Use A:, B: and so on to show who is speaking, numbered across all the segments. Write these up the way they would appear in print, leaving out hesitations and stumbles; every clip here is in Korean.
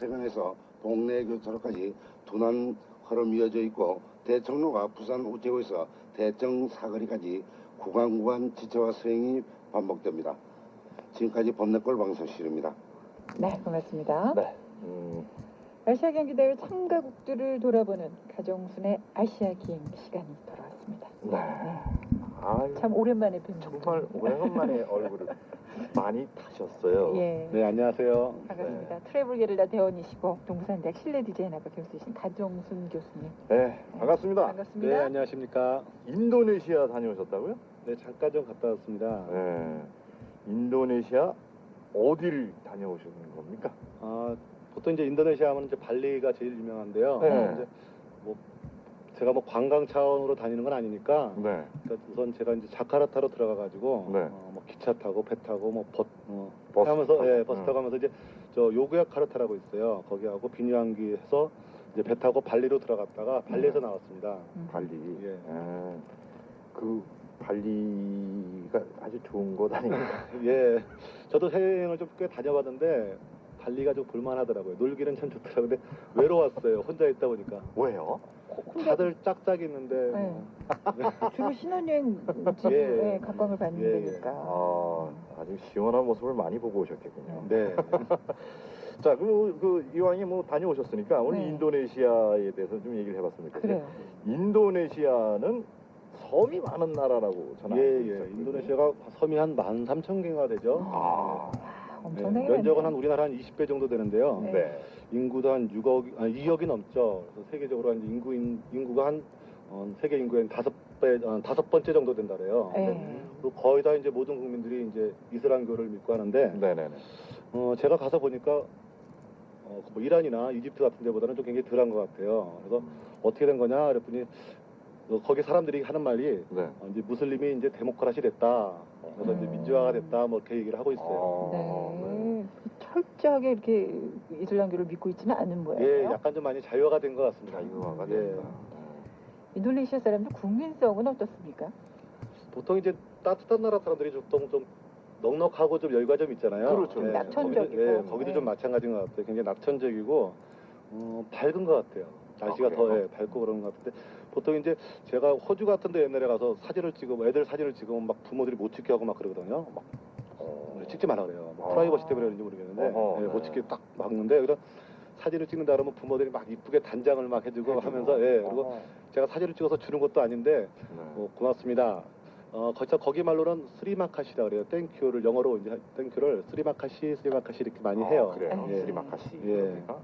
A: 대천대간에서 동래 교차로까지 둔한 흐름 이어져 있고 대청로가 부산 우체국에서 대청 사거리까지 구간 지체와 서행이 반복됩니다. 지금까지 범내골 방송실입니다.
B: 네, 고맙습니다.
C: 네.
B: 아시아 경기 대회 참가국들을 돌아보는 가정순의 아시아 기행 시간이 돌아왔습니다.
C: 네. 아,
B: 참 오랜만에 뵙는
C: 정말 오랜만에 얼굴을 많이 타셨어요.
B: 예.
D: 네, 안녕하세요.
B: 반갑습니다. 트래블 게릴라 대원이시고 동산대학 실내 디자인학과 교수이신 가정순 교수님.
C: 네, 반갑습니다.
B: 반갑습니다.
D: 네, 안녕하십니까.
C: 인도네시아 다녀오셨다고요?
D: 네, 잠깐 좀 갔다 왔습니다.
C: 네. 인도네시아 어디를 다녀오신 겁니까?
D: 보통 이제 인도네시아 하면 이제 발리가 제일 유명한데요.
C: 네.
D: 이제 뭐 제가 뭐 관광 차원으로 다니는 건 아니니까
C: 네.
D: 그러니까 우선 제가 이제 자카르타로 들어가가지고
C: 네.
D: 뭐 기차 타고 배 타고 뭐
C: 버스
D: 하면서
C: 타고.
D: 예, 버스 타고 하면서 이제 저 요구야카르타라고 있어요. 거기하고 비뉴항기 해서 이제 배 타고 발리로 들어갔다가 발리에서 나왔습니다.
C: 발리.
D: 예.
C: 그 발리가 아주 좋은 곳 아닙니까?
D: 예, 저도 해외여행을 좀 꽤 다녀봤는데 발리가 좀 볼만하더라고요. 놀기는 참 좋더라고요. 근데 외로웠어요. 혼자 있다 보니까.
C: 왜요?
D: 다들 짝짝 있는데
B: 네.
D: 뭐.
B: 주로 신혼여행
D: 예.
B: 각광을 받는
D: 예, 예.
B: 데니까.
C: 아주 시원한 모습을 많이 보고 오셨겠군요.
D: 네.
C: 자, 이왕에 뭐 다녀오셨으니까 오늘
B: 네.
C: 인도네시아에 대해서 좀 얘기를 해봤습니다.
B: 그래요.
C: 인도네시아는 섬이 많은 나라라고 저는
D: 예,
C: 알고
D: 예.
C: 있었거든요.
D: 인도네시아가 섬이 한 13,000개가 되죠.
C: 아,
B: 엄청나게
D: 면적은
B: 많네요.
D: 한 우리나라 한 20배 정도 되는데요.
B: 네.
C: 네.
D: 인구도 한 2억이 넘죠. 그래서 세계적으로 한 인구가 한 세계 인구의 다섯 번째 정도 된다래요.
B: 네.
D: 그리고 거의 다 이제 모든 국민들이 이제 이슬람교를 믿고 하는데
C: 네네네.
D: 제가 가서 보니까 뭐 이란이나 이집트 같은 데보다는 좀 굉장히 덜한 것 같아요. 그래서 어떻게 된 거냐 그랬더니 거기 사람들이 하는 말이
C: 네.
D: 이제 무슬림이 이제 데모크라시 됐다. 그래서 이제 민주화가 됐다. 뭐 이렇게 얘기를 하고 있어요.
B: 네. 철저하게 이렇게 이슬람교를 믿고 있지는 않은
D: 예,
B: 모양이에요.
D: 약간 좀 많이 자유화가 된 것 같습니다.
C: 자유화가
D: 예.
C: 된다.
B: 인도네시아 사람들 국민성은 어떻습니까?
D: 보통 이제 따뜻한 나라 사람들이 좀 넉넉하고 좀 여유가 좀 있잖아요.
C: 그렇죠.
D: 예,
B: 낙천적이고.
D: 거기도
B: 네.
D: 좀 마찬가지인 것 같아요. 굉장히 낙천적이고 밝은 것 같아요. 날씨가
C: 그래요?
D: 더 밝고 그런 것 같은데 보통 이제 제가 호주 같은데 옛날에 가서 사진을 찍으면 애들 사진을 찍으면 막 부모들이 못 찍게 하고 막 그러거든요. 막 찍지 말라 그래요. 뭐 프라이버시 때문에 그런지 모르겠는데
C: 네.
D: 못 찍게 딱 막는데 그래서 사진을 찍는다 그러면 부모들이 막 이쁘게 단장을 막 해주고 하면서 그리고 제가 사진을 찍어서 주는 것도 아닌데
C: 네.
D: 고맙습니다. 거기 말로는 스리마카시라 그래요. 땡큐를 영어로 이제 땡큐를 스리마카시 이렇게 많이 해요.
C: 그래요.
D: 예.
C: 스리마카시.
D: 예.
C: 그러니까?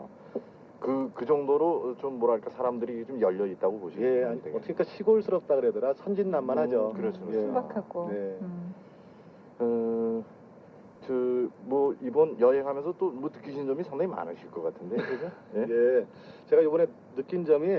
C: 그 정도로 좀 뭐랄까 사람들이 좀 열려 있다고 보시면
D: 예, 아니,
C: 되겠네요.
D: 어떻게 시골스럽다 그래야 되나 선진난만하죠.
C: 그렇죠.
D: 예.
B: 순박하고.
D: 네.
C: 뭐 이번 여행하면서 또 뭐 느끼신 점이 상당히 많으실 것 같은데, 그죠? 예?
D: 예, 제가 이번에 느낀 점이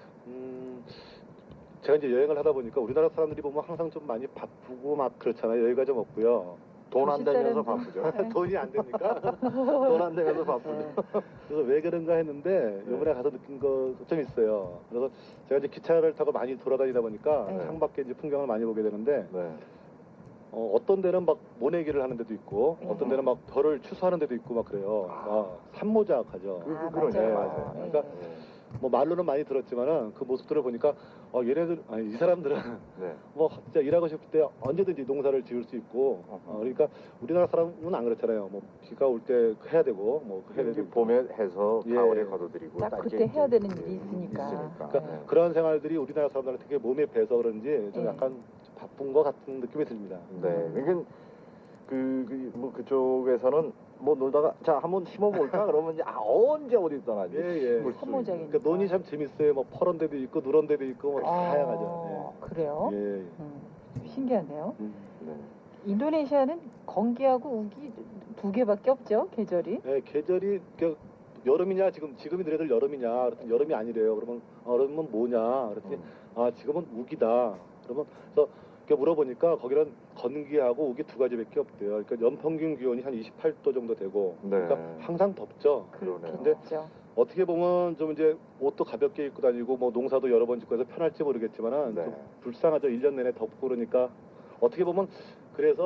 D: 제가 이제 여행을 하다 보니까 우리나라 사람들이 보면 항상 좀 많이 바쁘고 막 그렇잖아요. 여유가 좀 없고요.
C: 돈 안 되면서
B: 사람들.
C: 바쁘죠.
D: 돈이 안 됩니까?
C: 돈 안 되면서 바쁘죠.
D: 그래서 왜 그런가 했는데 이번에 가서 느낀 거 좀 있어요. 그래서 제가 이제 기차를 타고 많이 돌아다니다 보니까
B: 네.
D: 창밖에 이제 풍경을 많이 보게 되는데
C: 네.
D: 어떤 데는 막 모내기를 하는 데도 있고
B: 네.
D: 어떤 데는 막 별을 추수하는 데도 있고 막 그래요. 산모작하죠.
C: 그러네요.
D: 맞아요.
C: 네.
D: 그러니까 뭐 말로는 많이 들었지만은 그 모습들을 보니까 이 사람들은
C: 네.
D: 뭐 진짜 일하고 싶을 때 언제든지 농사를 지을 수 있고 그러니까 우리나라 사람은 안 그렇잖아요. 뭐 비가 올 때 해야 되고 뭐 해야 되고
C: 봄에 해서
D: 예.
C: 가을에 거둬들이고
B: 딱
C: 딱
B: 그때
C: 이제
B: 해야 되는 일이 있으니까.
D: 그러니까
B: 네.
D: 그런 생활들이 우리나라 사람들한테 되게 몸에 배서 그런지 좀
B: 네.
D: 약간 좀 바쁜 것 같은 느낌이 듭니다.
C: 네. 그러니까 뭐 그쪽에서는 뭐 놀다가 자 한번 심어볼까 그러면 이제 언제 어디 떠나지?
D: 예.
B: 선모작이니까.
D: 그러니까 논이 참 재밌어요. 뭐 퍼런 데도 있고 누런 데도 있고 뭐 다양하죠.
B: 그래요?
D: 예.
B: 신기하네요.
C: 네.
B: 인도네시아는 건기하고 우기 두 개밖에 없죠, 계절이.
D: 예, 계절이 여름이냐 지금이 너희들 여름이냐 그랬더니 여름이 아니래요. 그러면 뭐냐 그랬더니 지금은 우기다. 그래서 물어보니까 거기는 건기하고 우기 두 가지밖에 없대요. 그러니까 연평균 기온이 한 28도 정도 되고
C: 네.
D: 그러니까 항상 덥죠.
C: 그러네요.
D: 근데
B: 그렇죠.
D: 어떻게 보면 좀 이제 옷도 가볍게 입고 다니고 뭐 농사도 여러 번 짓고 해서 편할지 모르겠지만은
C: 네.
D: 좀 불쌍하죠. 1년 내내 덥고 그러니까 어떻게 보면 그래서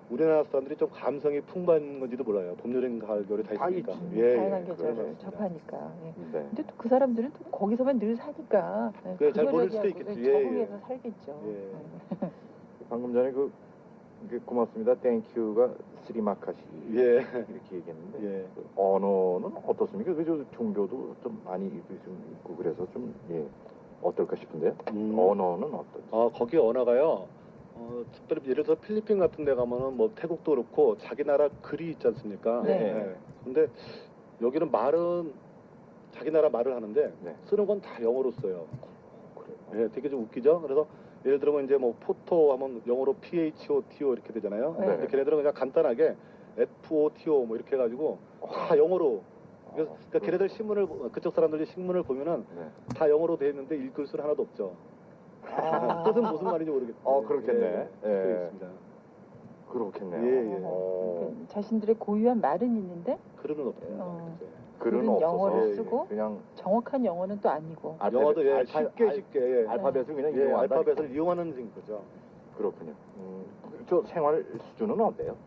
D: 우리나라 사람들이 좀 감성이 풍부한 건지도 몰라요. 봄, 여름, 가을, 겨울이 다
C: 다
D: 있으니까.
C: 있지.
B: 다양한
C: 그런 것
B: 계절을
C: 같습니다.
B: 접하니까. 예.
C: 네.
B: 근데 또 그 사람들은 또 거기서만 늘 사니까 예,
D: 그래, 잘 모를
B: 그거를
D: 수도
B: 하고
D: 있겠지. 예,
B: 적응해서
D: 예.
B: 살겠죠.
D: 예.
B: 예.
C: 방금 전에 고맙습니다. 땡큐가 스리마카시
D: 예.
C: 이렇게 얘기했는데
D: 예.
C: 그 언어는 어떻습니까? 그저 종교도 좀 많이 좀 있고 그래서 좀 어떨까 싶은데요. 언어는 어떨지.
D: 거기 언어가요. 특별히 예를 들어 필리핀 같은 데 가면은 뭐 태국도 그렇고 자기 나라 글이 있지 않습니까?
B: 네.
D: 근데 여기는 말은 자기 나라 말을 하는데
C: 네.
D: 쓰는 건 다 영어로 써요. 예, 되게 좀 웃기죠? 그래서 예를 들면 이제 뭐 포토 하면 영어로 PHOTO 이렇게 되잖아요.
B: 네.
D: 근데 걔네들은 그냥 간단하게 FOTO 뭐 이렇게 해가지고 다 영어로. 그래서 그러니까 걔네들 신문을 그쪽 사람들이 신문을 보면은
C: 네.
D: 다 영어로 돼 있는데 읽을 수는 하나도 없죠.
B: 아.
D: 뜻은 무슨 말인지 모르겠어요.
C: 그렇겠네.
D: 그게
C: 예.
D: 있습니다.
C: 그렇겠네요.
D: 예, 예.
B: 그 자신들의 고유한 말은 있는데
D: 글은 없습니다.
C: 글은
B: 글은
C: 없어서
B: 영어를
D: 예,
B: 쓰고
C: 그냥
B: 정확한 영어는 또 아니고.
D: 영어도 예,
C: 알파-
D: 쉽게 예.
C: 알파벳을 그냥
D: 예,
C: 이용한다.
D: 알파벳을 이용하는 거죠.
C: 그렇군요. 저 생활 수준은 어때요?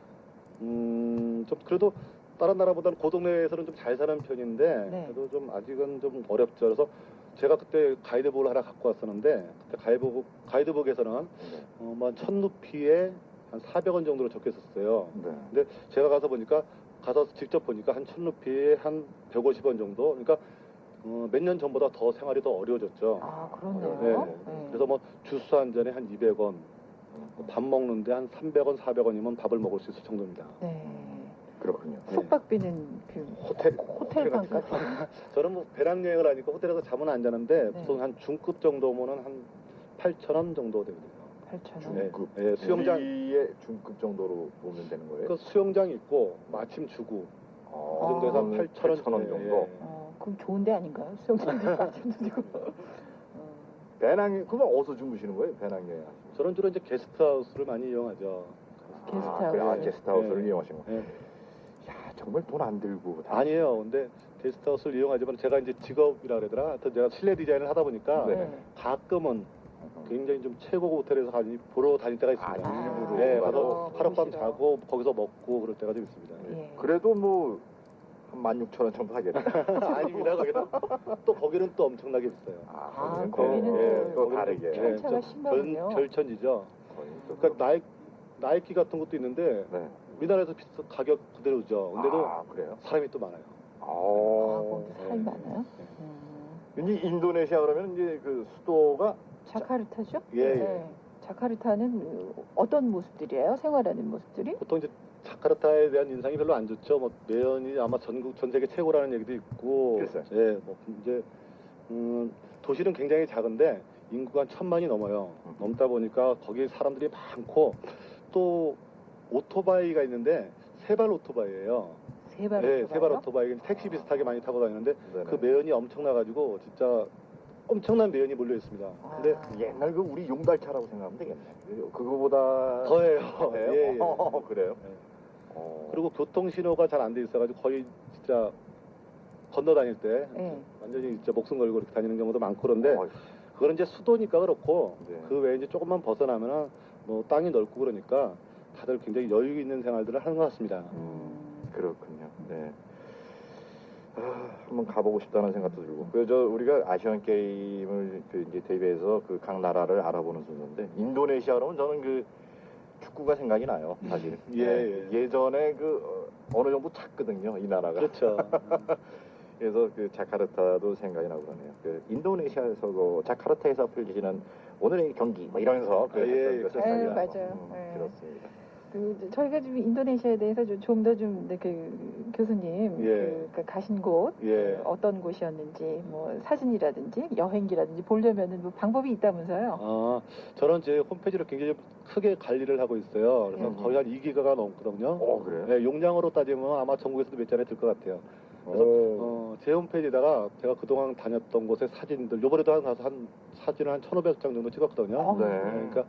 D: 좀 그래도 다른 나라보다는 그 동네에서는 좀 잘 사는 편인데
B: 네.
D: 그래도 좀 아직은 좀 어렵죠. 그래서 제가 그때 가이드북을 하나 갖고 왔었는데 그때 가이드북에서는
C: 네.
D: 뭐 1000루피에 한 400원 정도로 적혀 있었어요.
C: 네.
D: 근데 제가 가서 보니까 가서 직접 보니까 한 1000루피에 한 150원 정도. 그러니까 몇 년 전보다 더 생활이 더 어려워졌죠.
B: 아, 그렇네요.
D: 네.
B: 네.
D: 그래서 뭐 주스 한 잔에 한 200원, 밥 먹는데 한 300원, 400원이면 밥을 먹을 수 있을 정도입니다.
B: 네.
C: 그렇군요.
B: 숙박비는 그 호텔 방값.
D: 저는 뭐 배낭여행을 하니까 호텔에서 잠은 안 자는데
B: 네.
D: 보통 한 중급 정도면은 한 8,000원 정도 되거든요.
B: 8,000원.
D: 네.
C: 중급.
D: 예, 수영장.
C: 우리의 중급 정도로 보면 되는 거예요?
D: 그 수영장 있고 마침 주고 그 정도에서 한 8,000원
C: 정도.
B: 그럼 좋은 데 아닌가요? 수영장도 마침도 지고.
C: 배낭 그러면 어디서 주무시는 거예요? 배낭여행.
D: 저는 주로 이제 게스트하우스를 많이 이용하죠.
B: 게스트하우스.
C: 그래, 게스트하우스를
D: 네.
C: 이용하신 거.
D: 예.
C: 야, 정말 돈 안 들고.
D: 아니에요. 근데 게스트하우스를 이용하지만 제가 이제 직업이라 그러더라. 하여튼 제가 실내 디자인을 하다 보니까
C: 네.
D: 가끔은 굉장히 좀 최고급 호텔에서 보러 다닐 때가 있습니다.
C: 일부러
D: 네,
C: 가서
D: 가서 하룻밤
B: 보시러.
D: 자고 거기서 먹고 그럴 때가 좀 있습니다.
B: 예.
C: 그래도 뭐 한 16,000원 정도 하겠네.
D: 아닙니다. 거기는 또 거기는 또 엄청나게 비싸요.
B: 아,
C: 거기는
B: 거기는
C: 또
D: 거기는
C: 다르게.
B: 편차가
D: 좀
B: 심하군요.
D: 별천지죠.
C: 거의 또
D: 그러니까 나이키 같은 것도 있는데
C: 네.
D: 우리나라에서 가격 그대로죠. 근데도
C: 그래요.
D: 사람이 또 많아요.
B: 아, 거기 사람이
D: 네.
B: 많아요?
C: 이제 인도네시아 그러면 이제 그 수도가
B: 자카르타죠?
D: 예, 예.
B: 네. 자카르타는 어떤 모습들이에요? 생활하는 모습들이?
D: 보통 이제 자카르타에 대한 인상이 별로 안 좋죠. 뭐 매연이 아마 전 세계 최고라는 얘기도 있고,
C: 글쎄.
D: 예, 뭐 이제 도시는 굉장히 작은데 인구가 한 1000만이 넘어요. 넘다 보니까 거기 사람들이 많고 또 오토바이가 있는데 세발 오토바이예요.
B: 세발
D: 네,
B: 오토바이요?
D: 세발 오토바이 택시 비슷하게 많이 타고 다니는데
C: 네네.
D: 그 매연이 엄청나가지고 진짜 엄청난 매연이 몰려 있습니다. 근데
B: 아.
C: 옛날 그 우리 용달차라고 생각하면 되겠네. 그거보다
D: 더해요.
C: 더해요?
D: 예, 예.
C: 그래요?
D: 예. 그리고 교통 신호가 잘 안 돼 있어가지고 거의 진짜 건너 다닐 때
B: 예.
D: 완전히 진짜 목숨 걸고 이렇게 다니는 경우도 많고 그런데
C: 어이,
D: 그거는 이제 수도니까 그렇고
C: 네.
D: 그 외에 이제 조금만 벗어나면은 뭐 땅이 넓고 그러니까 다들 굉장히 여유 있는 생활들을 하는 것 같습니다.
C: 그렇군요. 네. 한번 가보고 싶다는 생각도 들고. 그저 우리가 아시안 게임을 이제 대비해서 그 각 나라를 알아보는 순서인데 인도네시아 그러면 저는 그 축구가 생각이 나요. 사실.
D: 예.
C: 예전에 어느 정도 찼거든요. 이 나라가.
D: 그렇죠.
C: 그래서 그 자카르타도 생각이 나고 그러네요. 그 인도네시아에서 자카르타에서 펼쳐지는 오늘의 경기 뭐 이러면서
D: 예, 예.
C: 그 생각이
B: 예,
C: 나고.
B: 맞아요. 예.
C: 그렇습니다.
B: 저희가 지금 인도네시아에 대해서 좀 더 좀 교수님
D: 예.
B: 가신 곳
D: 예.
B: 어떤 곳이었는지 뭐 사진이라든지 여행기라든지 보려면은 뭐 방법이 있다면서요?
D: 저는 제 홈페이지를 굉장히 크게 관리를 하고 있어요. 그래서 거의 한 2기가가 넘거든요.
C: 그래요?
D: 네, 용량으로 따지면 아마 전국에서도 몇 잔에 들 것 같아요. 그래서 제 홈페이지에다가 제가 그동안 다녔던 곳의 사진들, 요번에도 가서 한 사진을 한 1,500장 정도 찍었거든요.
C: 네.
D: 그러니까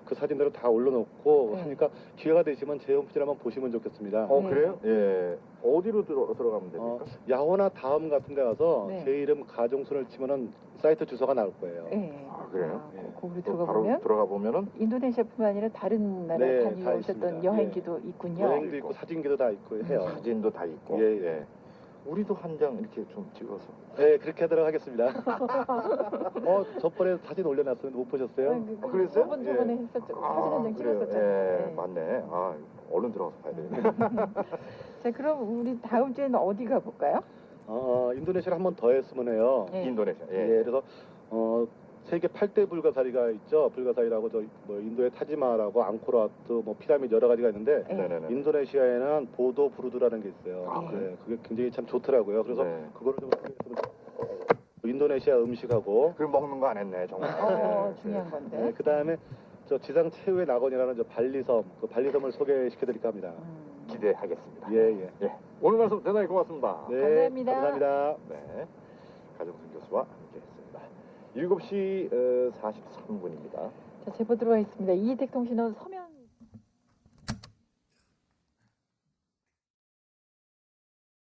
D: 그 사진들을 다 올려놓고
B: 네.
D: 하니까 기회가 되시면 제 홈페이지를 한번 보시면 좋겠습니다.
B: 네.
C: 그래요? 예. 어디로 들어가면 됩니까?
D: 야호나 다음 같은 데 가서
B: 네.
D: 제 이름 가정순을 치면은 사이트 주소가 나올 거예요.
B: 네.
C: 아, 그래요?
B: 아,
D: 예.
B: 거기로
C: 또
B: 들어가
C: 바로
B: 보면
C: 들어가 보면은
B: 인도네시아뿐만 아니라 다른 나라
D: 네, 다
B: 다녀오셨던
D: 있습니다.
B: 여행기도 있군요.
D: 여행도 있고 사진기도 다 있고 해요.
C: 사진도 다 있고.
D: 예, 예.
C: 우리도 한 장 이렇게 좀 찍어서.
D: 네, 그렇게 하도록 하겠습니다. 저번에 사진 올려놨었는데 못 보셨어요?
C: 그랬어요?
B: 저번에 했었죠. 사진 한 장
C: 그래요.
B: 찍었었잖아요.
C: 예,
B: 네.
C: 맞네. 아, 얼른 들어가서 봐야 되겠네.
B: 자, 그럼 우리 다음 주에는 어디 가볼까요?
D: 인도네시아를 한 번 더 했으면 해요.
B: 네.
C: 인도네시아.
D: 예, 그래서 세계 8대 불가사리가 있죠. 불가사리라고 뭐 인도의 타지마하라고 앙코르와트, 뭐 피라미드 여러 가지가 있는데
B: 네.
C: 네네네.
D: 인도네시아에는 보도 부르드라는 게 있어요.
C: 아,
B: 그래요?
D: 그게 굉장히 참 좋더라고요. 그래서
C: 네.
D: 그거를 좀 소개했으면 인도네시아 음식하고
C: 그 먹는 거 안 했네, 정말.
B: 중요한 건데.
D: 네, 그 다음에 저 지상 최후의 낙원이라는 저 발리섬, 그 발리섬을 소개시켜드릴까 합니다.
C: 기대하겠습니다.
D: 예, 예.
C: 예. 오늘 말씀 대단히 고맙습니다.
D: 네,
B: 감사합니다.
D: 감사합니다.
C: 네. 가정순 교수와 함께 했습니다. 7시 43분입니다.
B: 자, 제보 들어와 있습니다. 이택 통신원 서면